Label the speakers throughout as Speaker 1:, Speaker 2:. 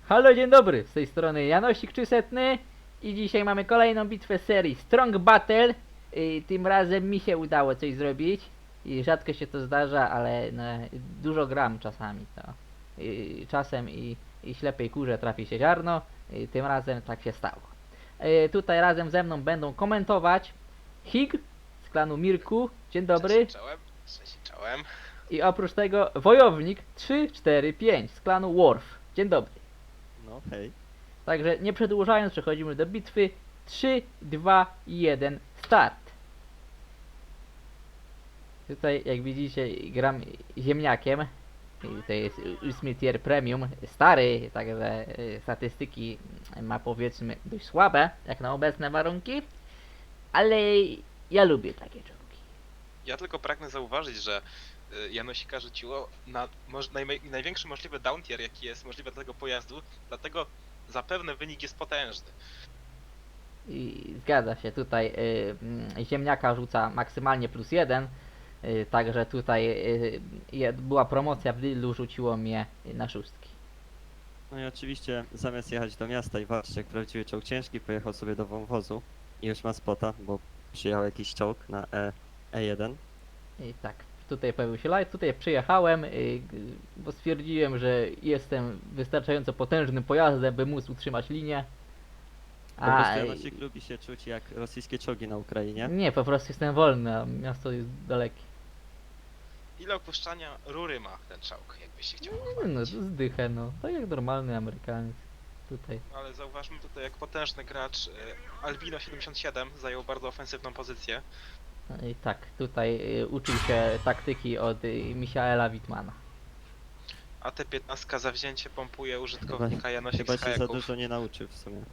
Speaker 1: Halo, dzień dobry, z tej strony Janosik Trzysetny i dzisiaj mamy kolejną bitwę z serii Strong Battle. Tym razem mi się udało coś zrobić i rzadko się to zdarza, ale no, dużo gram czasami. To. Czasem i ślepej kurze trafi się ziarno, tym razem tak się stało. Tutaj razem ze mną będą komentować Hig z klanu Mirku, dzień dobry.
Speaker 2: Cześć, czołem.
Speaker 1: I oprócz tego Wojownik 345 z klanu Worf, dzień dobry.
Speaker 3: No hej.
Speaker 1: Także nie przedłużając, przechodzimy do bitwy. 3, 2, 1, start. Tutaj jak widzicie gram ziemniakiem. I to jest 8 tier premium, stary, także statystyki ma powiedzmy dość słabe, jak na obecne warunki. Ale ja lubię takie czołgi.
Speaker 2: Ja tylko pragnę zauważyć, że Janosika rzuciło na największy możliwy down tier, jaki jest możliwy dla tego pojazdu, dlatego zapewne wynik jest potężny.
Speaker 1: I zgadza się, tutaj ziemniaka rzuca maksymalnie +1. Także tutaj była promocja w Lidlu, rzuciło mnie na szóstki.
Speaker 3: No i oczywiście zamiast jechać do miasta i walczyć jak prawdziwy czołg ciężki, pojechał sobie do wąwozu i już ma spota, bo przyjechał jakiś czołg na E1.
Speaker 1: I tak, tutaj pojawił się light, tutaj przyjechałem, bo stwierdziłem, że jestem wystarczająco potężnym pojazdem, by móc utrzymać linię.
Speaker 3: Po prostu Janosik lubi się czuć jak rosyjskie czołgi na Ukrainie.
Speaker 1: Nie, po prostu jestem wolny, a miasto jest dalekie.
Speaker 2: Ile opuszczania rury ma ten czołg, jakbyś się chciał
Speaker 1: No,
Speaker 2: pochwalić.
Speaker 1: zdychę, no, tak jak normalny Amerykaniec. Tutaj.
Speaker 2: Ale zauważmy tutaj, jak potężny gracz Albino 77 zajął bardzo ofensywną pozycję.
Speaker 1: I tak, tutaj uczył się taktyki od Michaela Wittmana.
Speaker 2: A T-15 za wzięcie pompuje użytkownika Janosik
Speaker 3: Chyba
Speaker 2: z
Speaker 3: się za
Speaker 2: hajaków.
Speaker 3: dużo nie nauczył w sumie.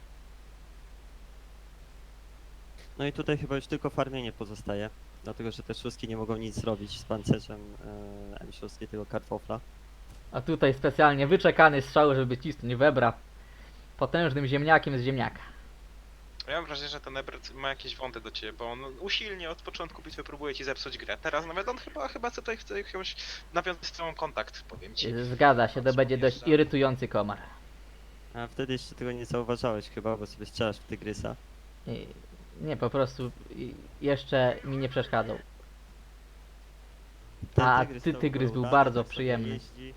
Speaker 3: No i tutaj chyba już tylko farmienie pozostaje, dlatego że te szóstki nie mogą nic zrobić z pancerzem M6 tego kartofla.
Speaker 1: A tutaj specjalnie wyczekany strzał, żeby cisnąć webra potężnym ziemniakiem z ziemniaka.
Speaker 2: Ja mam wrażenie, że ten Ebert ma jakieś wąty do ciebie, bo on usilnie od początku bitwy próbuje ci zepsuć grę. Teraz nawet on chyba tutaj chce jakąś nawiązać z tobą kontakt, powiem ci.
Speaker 1: Zgadza się, to będzie dość irytujący komar.
Speaker 3: A wtedy jeszcze tego nie zauważałeś chyba, bo sobie strzelasz w tygrysa.
Speaker 1: Nie, po prostu jeszcze mi nie przeszkadzał.
Speaker 3: Ten
Speaker 1: A
Speaker 3: to
Speaker 1: tygrys był
Speaker 3: udany,
Speaker 1: bardzo
Speaker 3: tak sobie
Speaker 1: przyjemny.
Speaker 3: jeździ.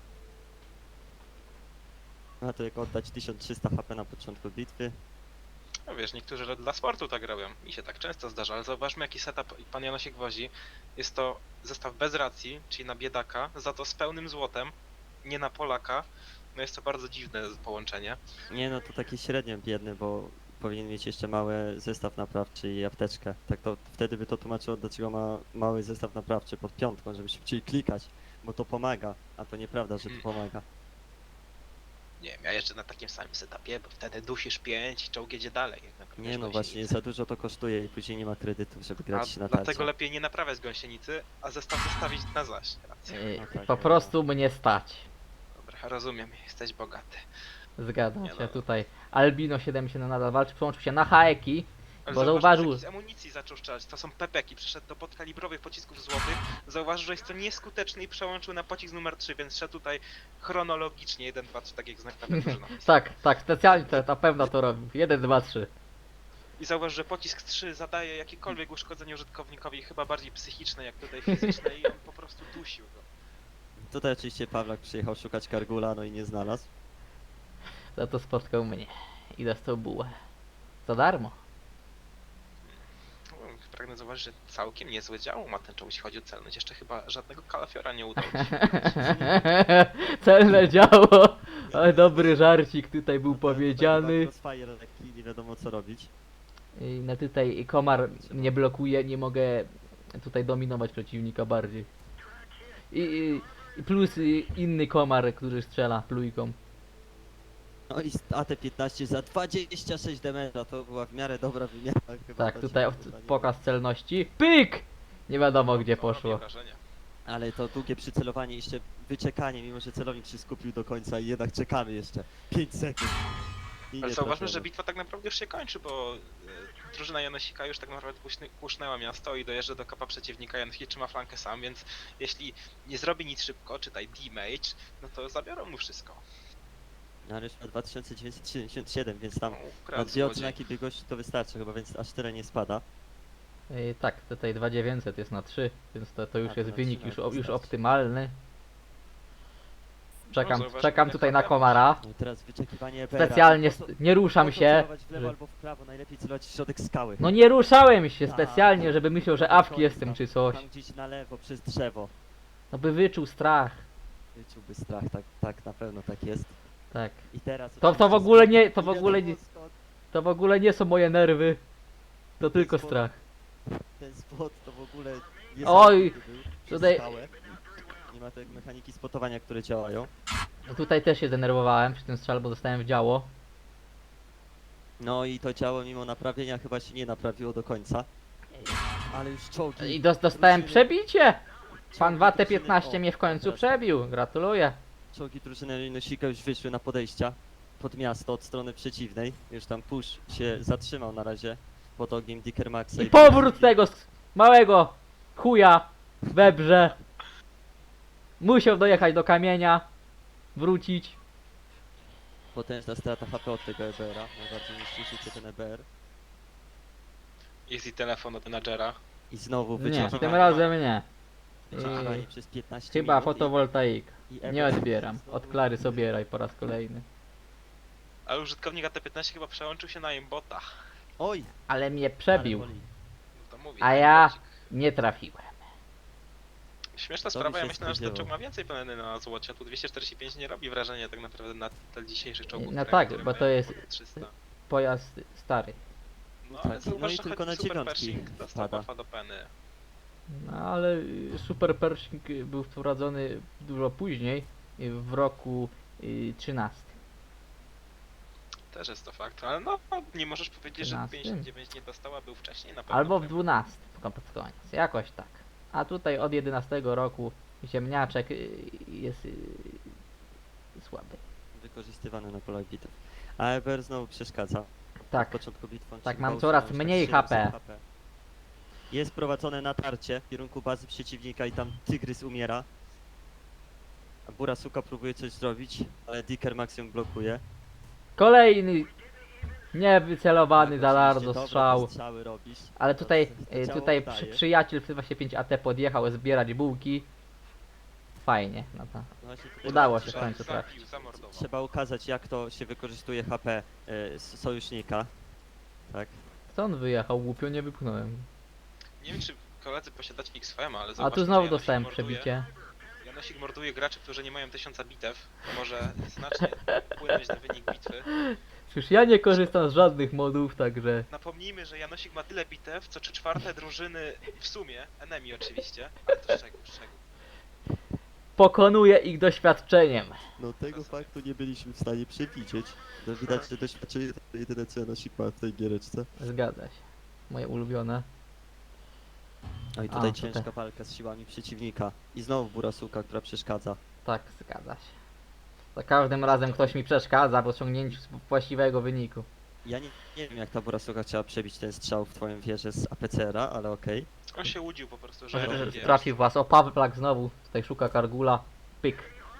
Speaker 3: No to jak oddać 1300 HP na początku bitwy.
Speaker 2: No wiesz, niektórzy dla sportu tak robią. Mi się tak często zdarza, ale zauważmy jaki setup pan Janosik wozi. Jest to zestaw bez racji, czyli na biedaka, za to z pełnym złotem, nie na Polaka. No jest to bardzo dziwne połączenie.
Speaker 3: Nie no, to taki średnio biedny, bo powinien mieć jeszcze mały zestaw naprawczy i apteczkę. Tak to wtedy by to tłumaczyło, dlaczego ma mały zestaw naprawczy pod piątką, żeby szybciej klikać, bo to pomaga, a to nieprawda, że to pomaga.
Speaker 2: Nie wiem, ja jeszcze na takim samym setupie, bo wtedy dusisz 5 i czołg jedzie dalej. Jak naprawiasz
Speaker 3: Nie no, właśnie
Speaker 2: gąsienicę.
Speaker 3: za dużo to kosztuje i później nie ma kredytów, żeby
Speaker 2: A
Speaker 3: grać na
Speaker 2: dlatego
Speaker 3: tarcie.
Speaker 2: lepiej nie naprawiać gąsienicy, a zestaw zostawić na zaś. Racja.
Speaker 3: No tak,
Speaker 1: Po
Speaker 3: no.
Speaker 1: prostu mnie stać.
Speaker 2: Dobra, rozumiem, jesteś bogaty.
Speaker 1: Zgadza
Speaker 2: Nie
Speaker 1: się,
Speaker 2: no.
Speaker 1: tutaj Albino 77 nadal walczy, przełączył się na haeki,
Speaker 2: Ale
Speaker 1: bo
Speaker 2: zauważ,
Speaker 1: zauważył...
Speaker 2: że z amunicji zaczął strzelać, to są pepeki, przeszedł do podkalibrowych pocisków złotych, zauważył, że jest to nieskuteczny i przełączył na pocisk numer 3, więc szedł tutaj chronologicznie 1, 2, 3, tak jak znak klawiatury napisał.
Speaker 1: Tak, specjalnie to na pewno to robił. 1, 2, 3.
Speaker 2: I zauważ, że pocisk 3 zadaje jakiekolwiek uszkodzenie użytkownikowi, chyba bardziej psychiczne jak tutaj fizyczne i on po prostu dusił go.
Speaker 3: Tutaj oczywiście Pawlak przyjechał szukać Kargula, no i nie znalazł.
Speaker 1: Za to spotkał mnie i dostał bułę. Za darmo.
Speaker 2: No, pragnę zauważyć, że całkiem niezłe działo ma ten czołg, jeśli chodzi o celność. Jeszcze chyba żadnego kalafiora nie udało ci się.
Speaker 1: Celne działo. Ale dobry żarcik tutaj był powiedziany.
Speaker 3: Crossfire lekki, nie wiadomo co robić.
Speaker 1: No tutaj komar mnie blokuje, nie mogę tutaj dominować przeciwnika bardziej. I plus inny komar, który strzela plujką.
Speaker 3: No i AT-15 za 26 damage'a, to była w miarę dobra wymiana chyba.
Speaker 1: Tak,
Speaker 3: to
Speaker 1: tutaj
Speaker 3: się chyba nie
Speaker 1: pokaz celności. Pyk! Nie wiadomo gdzie
Speaker 2: To robi
Speaker 1: poszło.
Speaker 2: wrażenie.
Speaker 3: Ale to długie przycelowanie, jeszcze wyczekanie, mimo że celownik się skupił do końca i jednak czekamy jeszcze 5 sekund. I
Speaker 2: Ale
Speaker 3: nie
Speaker 2: zauważmy,
Speaker 3: trafiono.
Speaker 2: że bitwa tak naprawdę już się kończy, bo drużyna Janosika już tak naprawdę pusznęła miasto i dojeżdża do kapa przeciwnika. Janosik trzyma flankę sam, więc jeśli nie zrobi nic szybko, czytaj damage, no to zabiorą mu wszystko.
Speaker 3: Ale już ma 2977, więc tam
Speaker 2: No,
Speaker 3: na
Speaker 2: ukradł
Speaker 3: dwie
Speaker 2: złodziej.
Speaker 3: odznaki biegłości to wystarczy chyba, więc aż tyle nie spada.
Speaker 1: Tak, tutaj 2900 jest na 3, więc to już
Speaker 3: A, to
Speaker 1: jest
Speaker 3: na
Speaker 1: wynik
Speaker 3: 3
Speaker 1: już,
Speaker 3: nawet
Speaker 1: już
Speaker 3: wystarczy.
Speaker 1: optymalny.
Speaker 2: Zauważ,
Speaker 1: Czekam
Speaker 2: ile
Speaker 1: tutaj na
Speaker 2: HP
Speaker 1: komara.
Speaker 3: No i teraz wyczekiwanie EBR-a.
Speaker 1: Specjalnie
Speaker 3: I po co-
Speaker 1: nie ruszam
Speaker 3: po co
Speaker 1: się.
Speaker 3: celować w lewo
Speaker 1: że-
Speaker 3: albo w prawo, najlepiej celować w środek skały.
Speaker 1: No nie ruszałem się
Speaker 3: Tak.
Speaker 1: specjalnie, żeby myślał, że
Speaker 3: Dobra,
Speaker 1: awki
Speaker 3: koniec
Speaker 1: jestem
Speaker 3: tam.
Speaker 1: czy coś.
Speaker 3: Tam gdzieś na lewo, przez drzewo.
Speaker 1: No by wyczuł strach.
Speaker 3: Wyczułby strach, tak, na pewno tak jest.
Speaker 1: Tak.
Speaker 3: I teraz
Speaker 1: To w
Speaker 3: oczywiście
Speaker 1: ogóle
Speaker 3: skok.
Speaker 1: nie- to
Speaker 3: I
Speaker 1: w ogóle nie-
Speaker 3: wiadomo skąd
Speaker 1: To w ogóle nie są moje nerwy. To tylko strach.
Speaker 3: Ten spot to w ogóle nie
Speaker 1: Oj,
Speaker 3: był przez
Speaker 1: tutaj-
Speaker 3: skałę. Nie ma tej mechaniki spotowania, które działają.
Speaker 1: No tutaj też się zdenerwowałem przy tym strzale, bo dostałem w działo.
Speaker 3: No i to ciało mimo naprawienia chyba się nie naprawiło do końca. Ale już czołgi.
Speaker 1: I dostałem
Speaker 3: drużyny-
Speaker 1: przebicie! Pan
Speaker 3: czołgi
Speaker 1: Watę
Speaker 3: drużyny-
Speaker 1: 15
Speaker 3: o,
Speaker 1: mnie w końcu
Speaker 3: teraz
Speaker 1: przebił. Gratuluję.
Speaker 3: Czołgi drużyny Nosika już wyszły na podejścia pod miasto od strony przeciwnej. Już tam push się zatrzymał na razie pod ogniem Dicker Maxa.
Speaker 1: I powrót tego małego chuja we brze. Musiał dojechać do kamienia. Wrócić.
Speaker 3: Potężna strata HP od tego EBR-a. Najbardziej niszczy się ten EBR.
Speaker 2: Jest i telefon od menadżera.
Speaker 3: I znowu
Speaker 1: Nie,
Speaker 3: wyczekiwanie.
Speaker 1: tym razem nie.
Speaker 3: Wyczekiwanie przez 15
Speaker 1: Chyba
Speaker 3: minut
Speaker 1: fotowoltaik.
Speaker 3: i
Speaker 1: Nie
Speaker 3: EBR
Speaker 1: odbieram.
Speaker 3: znowu-
Speaker 1: Od Klary Sobieraj po raz kolejny.
Speaker 2: Ale użytkownik AT15 chyba przełączył się na aimbota.
Speaker 3: Oj!
Speaker 1: Ale mnie przebił.
Speaker 3: ale boli.
Speaker 2: No to mówię.
Speaker 1: A ja
Speaker 2: aimbocik.
Speaker 1: nie trafiłem.
Speaker 2: Śmieszna
Speaker 3: To
Speaker 2: sprawa,
Speaker 3: mi
Speaker 2: ja
Speaker 3: się
Speaker 2: myślałem, że ten
Speaker 3: spodziewało.
Speaker 2: czołg ma więcej plany na złocie. Tu 245 nie robi wrażenia tak naprawdę na tle dzisiejszych czołgów.
Speaker 1: No
Speaker 2: które-
Speaker 1: tak,
Speaker 2: które
Speaker 1: bo to
Speaker 2: mają
Speaker 1: jest-
Speaker 2: ponad 300.
Speaker 1: Pojazd stary.
Speaker 2: No,
Speaker 3: Tak,
Speaker 2: ale
Speaker 3: no
Speaker 2: zauważ,
Speaker 3: i
Speaker 2: że
Speaker 3: tylko
Speaker 2: choć
Speaker 3: na
Speaker 2: Super
Speaker 3: dziewiątki
Speaker 2: Pershing dostał
Speaker 3: wpada.
Speaker 2: buffa do peny.
Speaker 1: No ale Super Pershing był wprowadzony dużo później, w roku 13.
Speaker 2: Też jest to fakt, ale no nie możesz powiedzieć, że
Speaker 1: 13.
Speaker 2: 59 nie dostała, był wcześniej na pewno.
Speaker 1: Albo w 12 pod koniec, jakoś tak. A tutaj od 11 roku ziemniaczek jest słaby.
Speaker 3: Wykorzystywany na polach bitew. A EBR znowu przeszkadza.
Speaker 1: Tak,
Speaker 3: Od początku bitwy on
Speaker 1: tak,
Speaker 3: się
Speaker 1: mam
Speaker 3: chyba
Speaker 1: coraz
Speaker 3: utrzymał już
Speaker 1: mniej
Speaker 3: 700
Speaker 1: HP.
Speaker 3: Jest prowadzone natarcie w kierunku bazy przeciwnika i tam Tygrys umiera. A Burasuka próbuje coś zrobić, ale Dicker Max ją blokuje.
Speaker 1: kolejny niewycelowany za
Speaker 3: Tak,
Speaker 1: bardzo
Speaker 3: oczywiście,
Speaker 1: strzał.
Speaker 3: dobre strzały robisz.
Speaker 1: Ale
Speaker 3: To-
Speaker 1: tutaj,
Speaker 3: to ciało
Speaker 1: tutaj
Speaker 3: oddaje.
Speaker 1: przyjaciel 25 AT podjechał zbierać bułki. Fajnie, no to
Speaker 3: No właśnie tutaj
Speaker 1: udało
Speaker 3: trzeba-
Speaker 1: się w końcu trafić.
Speaker 2: Zabił, zamordował.
Speaker 3: Trzeba ukazać, jak to się wykorzystuje HP sojusznika. Tak.
Speaker 1: Stąd wyjechał, głupio nie wypchnąłem.
Speaker 2: Nie wiem, czy koledzy posiadacie XFM, ale
Speaker 1: A
Speaker 2: zauważcie,
Speaker 1: tu
Speaker 2: że
Speaker 1: znowu
Speaker 2: Janosik
Speaker 1: dostałem
Speaker 2: morduje-
Speaker 1: przebicie.
Speaker 2: Janosik morduje graczy, którzy nie mają 1000 bitew. To może znacznie wpłynąć na wynik bitwy.
Speaker 1: Przecież ja nie korzystam z żadnych modów, także
Speaker 2: Napomnijmy, że Janosik ma tyle bitew, co 3/4 drużyny w sumie, enemy oczywiście, ale to szczegół.
Speaker 1: pokonuję ich doświadczeniem.
Speaker 3: No tego faktu nie byliśmy w stanie przewidzieć. No widać, że doświadczenie to jedyne co Janosik ma w tej giereczce.
Speaker 1: Zgadza się. Moje ulubione.
Speaker 3: No i
Speaker 1: A,
Speaker 3: tutaj
Speaker 1: tutaj.
Speaker 3: ciężka walka z siłami przeciwnika. I znowu Burasuka, która przeszkadza.
Speaker 1: Tak, zgadza się. Za każdym razem ktoś mi przeszkadza w osiągnięciu właściwego wyniku.
Speaker 3: Ja nie wiem jak ta Burasuka chciała przebić ten strzał w twoją wieżę z APCR-a, ale okej.
Speaker 2: On się łudził po prostu, że wie.
Speaker 1: Trafił was. O, Pawlak znowu. Tutaj szuka Kargula. Pyk.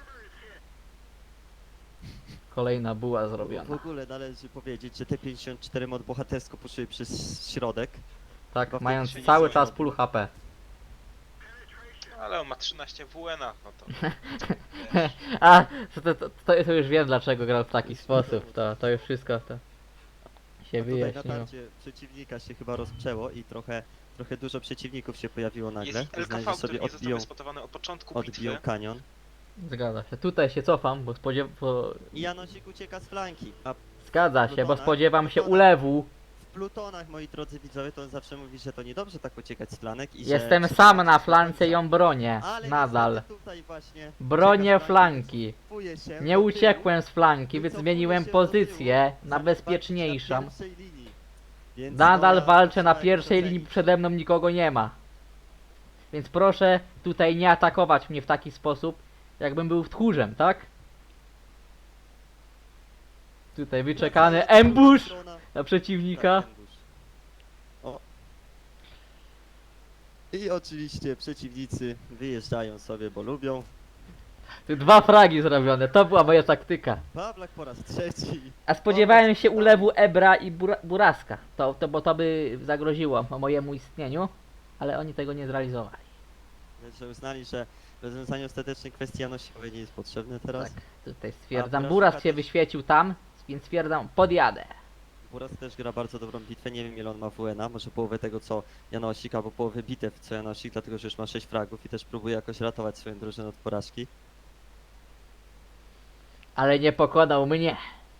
Speaker 1: Kolejna buła
Speaker 3: W
Speaker 1: zrobiona.
Speaker 3: ogóle należy powiedzieć, że te 54 mod bohatersko poszły przez środek.
Speaker 1: Tak,
Speaker 3: chyba
Speaker 1: mając
Speaker 2: wtedy się
Speaker 1: cały
Speaker 2: nie
Speaker 1: czas
Speaker 2: zmieniło.
Speaker 1: full HP.
Speaker 2: Ale on ma 13 WN-a, no to...
Speaker 1: A, to już wiem dlaczego grał w taki sposób. To już wszystko to się
Speaker 3: A tutaj
Speaker 1: wyjaśniło.
Speaker 3: natarcie przeciwnika się chyba rozprzęło i trochę dużo przeciwników się pojawiło nagle.
Speaker 2: Jest
Speaker 3: Uznali,
Speaker 2: LKV,
Speaker 3: że
Speaker 2: który
Speaker 3: sobie
Speaker 2: nie został
Speaker 3: odbiją,
Speaker 2: wyspotowany od początku
Speaker 3: odbiją
Speaker 2: bitwy.
Speaker 3: kanion.
Speaker 1: Zgadza się. Tutaj się cofam, bo
Speaker 3: I Janosik ucieka z flanki, a
Speaker 1: Zgadza się, bo
Speaker 3: Plutona-
Speaker 1: spodziewam się
Speaker 3: Plutona-
Speaker 1: ulewu.
Speaker 3: w plutonach, moi drodzy widzowie, to on zawsze mówi, że to niedobrze tak uciekać z flanek i
Speaker 1: Jestem
Speaker 3: że
Speaker 1: sam
Speaker 3: trzeba
Speaker 1: na
Speaker 3: walczyć do
Speaker 1: flance i
Speaker 3: końca.
Speaker 1: ją bronię.
Speaker 3: Ale
Speaker 1: Nadal.
Speaker 3: niestety tutaj właśnie
Speaker 1: Bronię
Speaker 3: ucieka z
Speaker 1: flanki.
Speaker 3: cofuje się
Speaker 1: Nie
Speaker 3: do tyłu,
Speaker 1: uciekłem z flanki, więc
Speaker 3: wycofuje
Speaker 1: zmieniłem
Speaker 3: się do
Speaker 1: pozycję
Speaker 3: tyłu,
Speaker 1: na
Speaker 3: żeby
Speaker 1: bezpieczniejszą.
Speaker 3: walczyć na pierwszej linii. Więc
Speaker 1: Nadal
Speaker 3: no, ja
Speaker 1: walczę na
Speaker 3: trzeba
Speaker 1: pierwszej
Speaker 3: docenić.
Speaker 1: linii, przede mną nikogo nie ma. Więc proszę tutaj nie atakować mnie w taki sposób, jakbym był tchórzem, tak? Tutaj wyczekany
Speaker 3: Wracają
Speaker 1: ambush
Speaker 3: strona.
Speaker 1: na przeciwnika.
Speaker 3: Tak, ambush. O. I oczywiście przeciwnicy wyjeżdżają sobie, bo lubią.
Speaker 1: Tu 2 fragi zrobione, to była moja taktyka.
Speaker 3: Bablak po raz trzeci.
Speaker 1: A spodziewałem się ulewu Ebra i Buraska. Bo to by zagroziło mojemu istnieniu, ale oni tego nie zrealizowali.
Speaker 3: Że uznali, że rozwiązanie ostatecznej kwestii janosikowej nie jest potrzebne teraz.
Speaker 1: Tak, tutaj stwierdzam,
Speaker 3: Buraska
Speaker 1: Buras się
Speaker 3: też-
Speaker 1: wyświecił tam, więc stwierdzam, podjadę.
Speaker 3: Buras też gra bardzo dobrą bitwę, nie wiem ile on ma WN-a, może połowę tego co Janosik, albo połowę bitew co Janosik, dlatego że już ma 6 fragów i też próbuje jakoś ratować swoją drużynę od porażki.
Speaker 1: Ale nie pokonał mnie.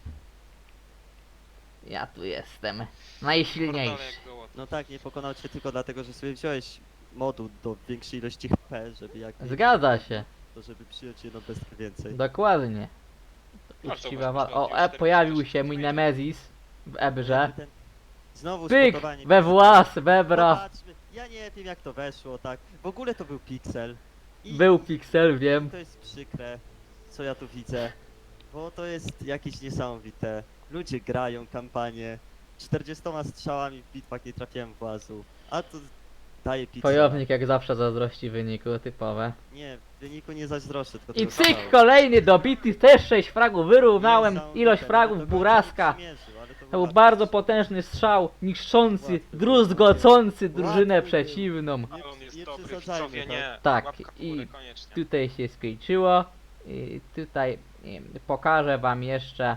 Speaker 1: Ja tu jestem
Speaker 2: Portale
Speaker 1: najsilniejszy.
Speaker 2: jak gołot.
Speaker 3: No tak, nie pokonał cię tylko dlatego, że sobie wziąłeś modu do większej ilości HP, żeby jak
Speaker 1: Zgadza się,
Speaker 3: to żeby przyjąć jedną bestkę więcej.
Speaker 1: dokładnie.
Speaker 2: A co,
Speaker 1: Uczciwa
Speaker 2: masz
Speaker 1: O,
Speaker 2: już
Speaker 1: pojawił się
Speaker 2: 40
Speaker 1: mój
Speaker 2: metrów.
Speaker 1: Nemezis w Ebrze.
Speaker 3: Ten- Znowu
Speaker 1: Pyk!
Speaker 3: spotowanie
Speaker 1: We
Speaker 3: piksela.
Speaker 1: włas, webra.
Speaker 3: Zobaczmy, ja nie wiem jak to weszło, tak. W ogóle to był piksel. I
Speaker 1: Był piksel, wiem.
Speaker 3: to jest przykre, co ja tu widzę, bo to jest jakieś niesamowite. Ludzie grają kampanię, 40 strzałami w bitwach nie trafiałem włazu, a to daje piksela.
Speaker 1: Wojownik jak zawsze zazdrości wyniku, typowe.
Speaker 3: Nie, w wyniku nie zazdroszczę, tylko
Speaker 1: I
Speaker 3: tego
Speaker 1: cyk,
Speaker 3: kanału.
Speaker 1: kolejny dobity, też 6 fragów, wyrównałem
Speaker 3: Niesamowite,
Speaker 1: ilość
Speaker 3: no
Speaker 1: fragów
Speaker 3: do końca
Speaker 1: Buraska.
Speaker 3: nie przymierzył, ale
Speaker 1: To był
Speaker 3: łatwy
Speaker 1: bardzo
Speaker 3: strzał.
Speaker 1: potężny strzał, niszczący,
Speaker 3: Łatwy był,
Speaker 1: druzgocący drużynę
Speaker 3: Łatwy był.
Speaker 1: przeciwną.
Speaker 2: Ale on jest
Speaker 3: Nie
Speaker 2: dobry,
Speaker 3: przesadzajmy,
Speaker 2: widzowie
Speaker 3: tak?
Speaker 2: nie.
Speaker 1: Tak,
Speaker 2: Łapka w
Speaker 1: i
Speaker 2: górę, koniecznie.
Speaker 1: Tutaj się skończyło. I tutaj pokażę wam jeszcze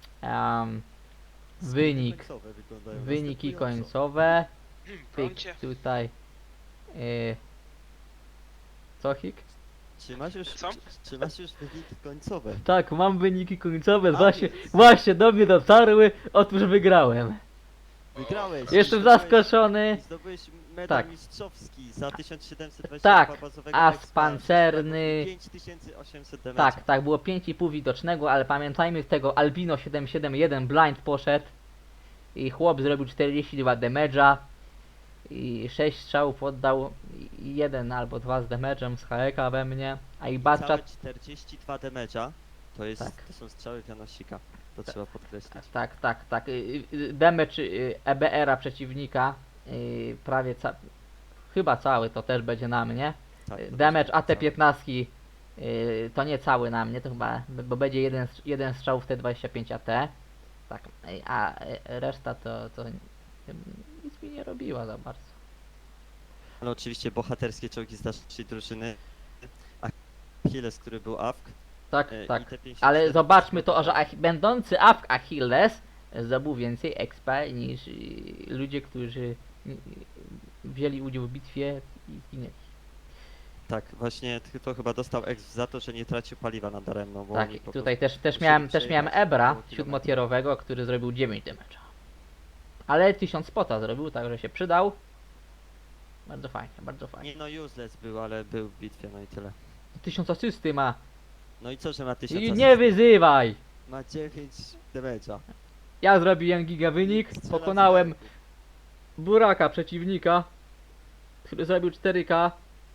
Speaker 1: wynik.
Speaker 3: Końcowe wyglądają
Speaker 1: Wyniki
Speaker 3: następująco.
Speaker 1: końcowe. Pyk,
Speaker 2: Brońcie.
Speaker 1: tutaj. Co hik?
Speaker 2: Co?
Speaker 3: Czy masz już wyniki końcowe?
Speaker 1: Tak, mam wyniki końcowe,
Speaker 3: A
Speaker 1: właśnie,
Speaker 3: więc.
Speaker 1: właśnie do mnie dotarły, otóż wygrałem.
Speaker 3: Wygrałeś!
Speaker 1: Jestem
Speaker 3: Zdobyłeś-
Speaker 1: zaskoczony.
Speaker 3: i Zdobyłeś medal
Speaker 1: Tak.
Speaker 3: mistrzowski za 1722
Speaker 1: Tak,
Speaker 3: bazowego
Speaker 1: as
Speaker 3: expa,
Speaker 1: pancerny.
Speaker 3: 5800 damage.
Speaker 1: Tak, tak, było 5,5 widocznego, ale pamiętajmy z tego Albino 771 blind poszedł i chłop zrobił 42 damage'a i 6 strzałów oddał i 1 albo 2 z damage'em z HK we mnie, a i
Speaker 3: Całe
Speaker 1: Batchat
Speaker 3: 42 damage'a to jest,
Speaker 1: Tak.
Speaker 3: to są strzały Janosika. To trzeba podkreślić.
Speaker 1: tak, damage EBR-a przeciwnika prawie chyba cały to też będzie na mnie.
Speaker 3: Tak, to
Speaker 1: Damage
Speaker 3: będzie
Speaker 1: AT-15 to nie cały na mnie, to chyba, bo będzie jeden strzał w T25 AT. Tak, a reszta to nic mi nie robiła za bardzo.
Speaker 3: Ale oczywiście bohaterskie czołgi z naszej drużyny. Achilles, który był AFK.
Speaker 1: Tak,
Speaker 3: i
Speaker 1: tak.
Speaker 3: te 54
Speaker 1: Ale zobaczmy to, że będący AFK Achilles zdobył więcej expa niż ludzie, którzy wzięli udział w bitwie i zginęli.
Speaker 3: Tak, właśnie to chyba dostał exp za to, że nie tracił paliwa nadaremno. Bo
Speaker 1: Tak,
Speaker 3: oni po
Speaker 1: tutaj też
Speaker 3: musieli
Speaker 1: miałem
Speaker 3: przejechać
Speaker 1: Ebra
Speaker 3: około kilometra.
Speaker 1: 7-tierowego, który zrobił 9 damage'a. Ale 1000 spota zrobił, także się przydał. Bardzo fajnie, bardzo fajnie.
Speaker 3: Nie no, useless był, ale był w bitwie, no i tyle.
Speaker 1: 1000 asysty ma.
Speaker 3: No i co, że ma 1000
Speaker 1: I
Speaker 3: asyst?
Speaker 1: nie wyzywaj!
Speaker 3: Ma 9 damage'a.
Speaker 1: Ja zrobiłem giga wynik,
Speaker 3: Strzela z
Speaker 1: pokonałem
Speaker 3: ręku.
Speaker 1: Buraka przeciwnika, który zrobił 4K.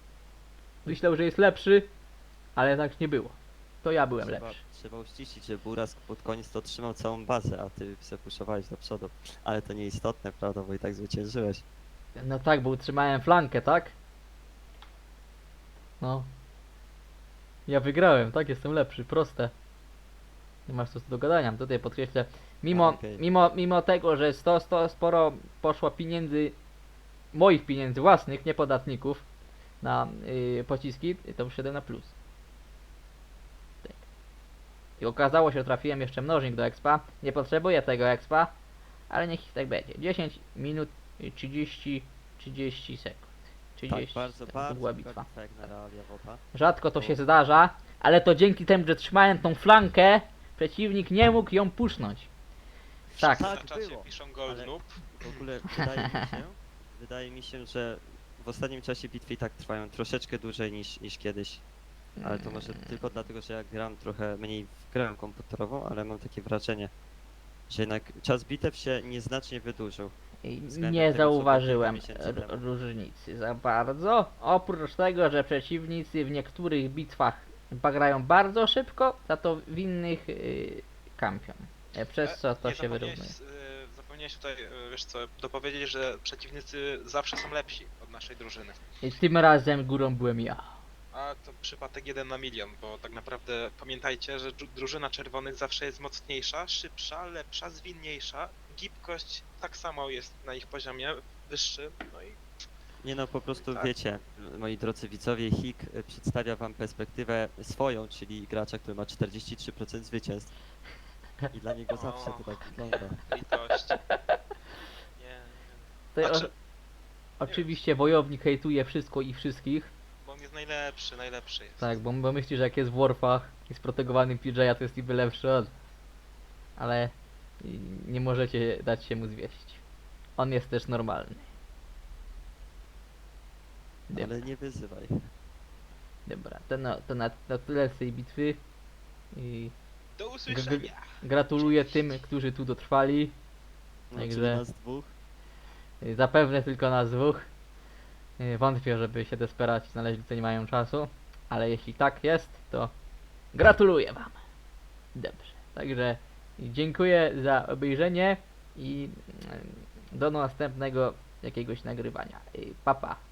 Speaker 1: Myślał, że jest lepszy, ale tak nie było. To ja byłem lepszy.
Speaker 3: Trzeba uściślić, że Burask pod koniec to trzymał całą bazę, a ty se puszowałeś do przodu. Ale to nieistotne, prawda, bo i tak zwyciężyłeś.
Speaker 1: No tak, bo utrzymałem flankę, tak? No. Ja wygrałem, tak? Jestem lepszy, proste. Nie masz co do gadania. Tutaj podkreślę,
Speaker 3: Okej.
Speaker 1: mimo tego, że sporo poszło pieniędzy, moich pieniędzy własnych, nie podatników, na pociski, to wyszedłem na plus. Tak. I okazało się, że trafiłem jeszcze mnożnik do expa. Nie potrzebuję tego expa, ale niech tak będzie. 10 minut 30 sekund. 30
Speaker 3: Tak, bardzo,
Speaker 1: sekund, to była
Speaker 3: bardzo
Speaker 1: bitwa.
Speaker 3: bitwa jak na realia WOTA.
Speaker 1: Rzadko to się zdarza, ale to dzięki temu, że trzymałem tą flankę, przeciwnik nie mógł ją pusznąć. Tak.
Speaker 2: Wszyscy
Speaker 3: Tak
Speaker 2: na czacie
Speaker 3: było,
Speaker 2: piszą gold
Speaker 3: ale-
Speaker 2: noob.
Speaker 3: W ogóle wydaje mi się, że w ostatnim czasie bitwy i tak trwają troszeczkę dłużej niż kiedyś. Ale to może tylko dlatego, że ja gram trochę mniej w grę komputerową, ale mam takie wrażenie, że jednak czas bitew się nieznacznie wydłużył.
Speaker 1: I
Speaker 3: względem
Speaker 1: nie
Speaker 3: tego, co było
Speaker 1: zauważyłem
Speaker 3: kilka miesięcy temu.
Speaker 1: różnicy za bardzo. Oprócz tego, że przeciwnicy w niektórych bitwach grają bardzo szybko, za to w innych kampią. Przez co to
Speaker 2: Nie
Speaker 1: się wyrównuje.
Speaker 2: Zapomniałeś tutaj, wiesz co, dopowiedzieć, że przeciwnicy zawsze są lepsi od naszej drużyny.
Speaker 1: I tym razem górą byłem ja.
Speaker 2: A to przypadek 1 na milion, bo tak naprawdę pamiętajcie, że drużyna czerwonych zawsze jest mocniejsza, szybsza, lepsza, zwinniejsza. Gibkość tak samo jest na ich poziomie wyższy, no i
Speaker 3: Nie no, po prostu
Speaker 2: Tak.
Speaker 3: wiecie, moi drodzy widzowie, HIK przedstawia wam perspektywę swoją, czyli gracza, który ma 43% zwycięstw. I dla niego zawsze to tak wygląda.
Speaker 2: litość. Nie,
Speaker 1: To
Speaker 2: Znaczy,
Speaker 1: oczywiście wojownik hejtuje wszystko i wszystkich.
Speaker 2: bo on jest najlepszy jest.
Speaker 1: Tak, bo myśli, że jak jest w Warfach i sprotegowany PJ, to jest niby lepszy od. Ale nie możecie dać się mu zwieść. On jest też normalny.
Speaker 3: Ale nie wyzywaj.
Speaker 1: Dobra, to na tyle z tej bitwy. I
Speaker 2: Do usłyszenia!
Speaker 1: gratuluję tym, którzy tu dotrwali.
Speaker 3: No,
Speaker 1: Także-
Speaker 3: czyli nas dwóch.
Speaker 1: Zapewne tylko nas dwóch. Wątpię, żeby się Desperaci znaleźli, co nie mają czasu. Ale jeśli tak jest, to gratuluję wam. Dobrze. Także dziękuję za obejrzenie i do następnego jakiegoś nagrywania. Pa pa.